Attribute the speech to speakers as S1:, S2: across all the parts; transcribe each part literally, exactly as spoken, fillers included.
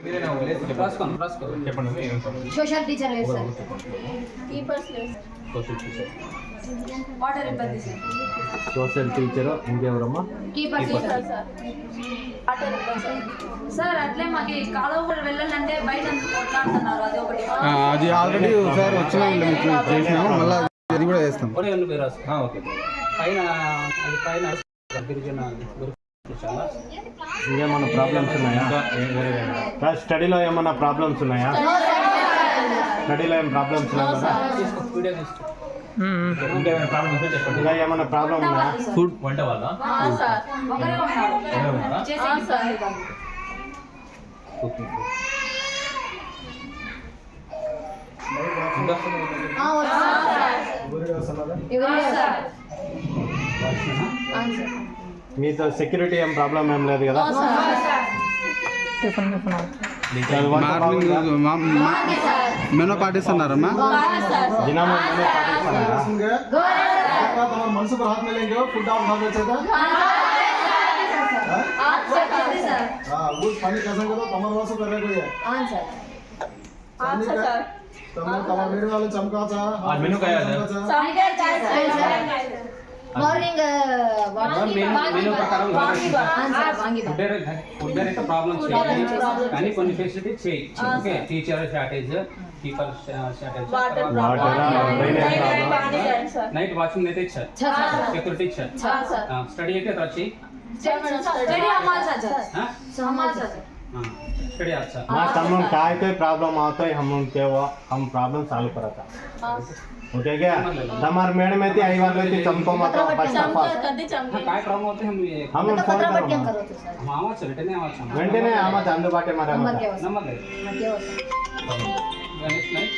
S1: Social teacher లేదు sir.
S2: Keepers లేదు
S3: social teacher
S2: water ఇబ్బంది సార్.
S3: సోషల్ టీచర్ ఇంకెవరమ్మా?
S1: కీపర్
S2: సార్ సార్ వాటర్ ఇబ్బంది సార్. సార్ అట్లే మాకు కాలువ కూడా వెళ్ళాలంటే బయట కొట్లాడుతున్నారు. అది ఒకటి
S4: అది ఆల్రెడీ ఒకసారి వచ్చిన చేసినాము, మళ్ళీ అది కూడా చేస్తాం.
S3: ఓకే పైన అది పైన గిరిజన ఇంకేమన్నా ప్రాబ్లమ్స్ ఉన్నాయా? స్టడీలో ఏమన్నా ప్రాబ్లమ్స్ ఉన్నాయా? స్టడీలో ఏం ప్రాబ్లమ్స్ ఉన్నాయా? ఇంకా ఏమన్నా ప్రాబ్లమ్ ఉన్నాయా?
S4: ఫుడ్
S3: వంట వల్ల
S2: సార్ ఒకరే ఉన్నారు చేసి సార్.
S3: మీతో సెక్యూరిటీ ఏం ప్రాబ్లం ఏం లేదు కదా?
S4: మార్నింగ్ మెనూ పాటిస్తున్నారమ్మా?
S3: దినం మెనూ పాటిస్తున్నారా?
S5: मनसु पर हाथ मिलेंगे फुट डाउन भाग रहे थे हां वो पानी कैसे करो कमर वासु कर रहे कोई है
S2: हां सर हां सर
S5: तम तम मेरे वाले चमका चा
S3: आज मेनू क्या है?
S2: सामने चाय सर
S1: మార్నింగ్ వాటర్
S3: మెనూ ప్రకారం
S1: వాంగి
S3: ఫుడ్ ఫుడ్ అయితే ప్రాబ్లమ్స్ కానీ కొన్ని ఫెసిలిటీ చేయి. Okay teacher shortage, keeper shortage,
S2: water
S3: night watching అయితే ఇచ్చారు, సెక్యూరిటీ ఇచ్చారు. స్టడీ అయితే వచ్చి
S2: स्टडी हमारा सर हमारा सर
S3: स्टडी अच्छा ना हम काय कोई प्रॉब्लम आता है हम उनके वो हम प्रॉब्लम सॉल्व करता ओके क्या हमार मैडम में थी आई वाले थी चमको मत फर्स्ट ऑफ ऑल
S2: कदी चमको
S3: काय प्रॉब्लम होते हम
S1: हम
S3: फोन
S1: पत्र
S3: करो
S1: करो तो सर
S3: हम आवाज वेंटने आवाज वेंटने आवाज అందుబాటే మరి
S1: नंबर के
S3: नंबर दे
S1: के
S3: गणेश नाइक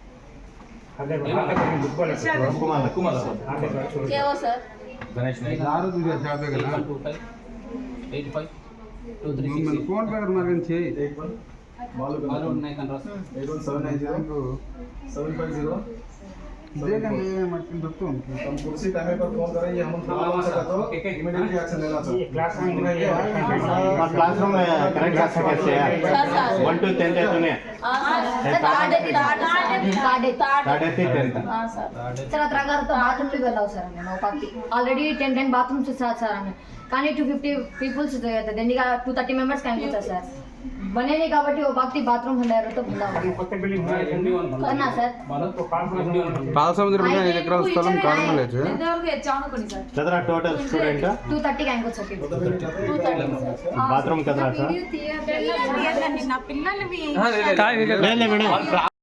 S3: कुमार कुमार
S2: क्या हो सर
S3: गणेश नाइक
S4: ఆరు దిగా జాబే కదా
S3: eight five two three six
S4: PhonePe మార్గం చేయి.
S5: एक वन मालूम
S3: मालूम नहीं कर रहा
S5: eight one seven nine zero seven five zero
S4: देखंడి మట్టి దొరుకుతుంది.
S5: हम कुर्सी टाइम पर फोन करेंगे हम प्रॉब्लम से तो इमीडिएटली एक्शन लेना चाहिए
S3: क्लास और क्लासरूम में करेक्ट कर सकते हैं वन टू टेन है तूने
S2: हां सर साढ़े साढ़े
S1: साढ़े
S3: साढ़े टेन
S2: हां सर
S1: सर अത്ര तो बाथरूम కి వెళ్ళావు సార్ నేను ఒకటి already ten ten bathrooms sir sir అని కానీ టూ ఫిఫ్టీ పీపుల్స్ దండిగా టూ థర్టీ మెంబర్స్ కనిపిస్తారు సార్ बनेने కాబట్టి वो बाकी बाथरूम हंडारो तो बंदा हो करना सर
S4: పాలసముద్రం మీద ఐదు ఎకరాల స్థలం కారణలేదు.
S2: ఇంతవరకు ఎచ్చాను కొని సార్
S3: कितना टोटल स्टूडेंट
S1: टू थर्टी का इंको सर
S3: बाथरूम कितना सर
S2: నా పిల్లల్ని
S3: ले ले मैडम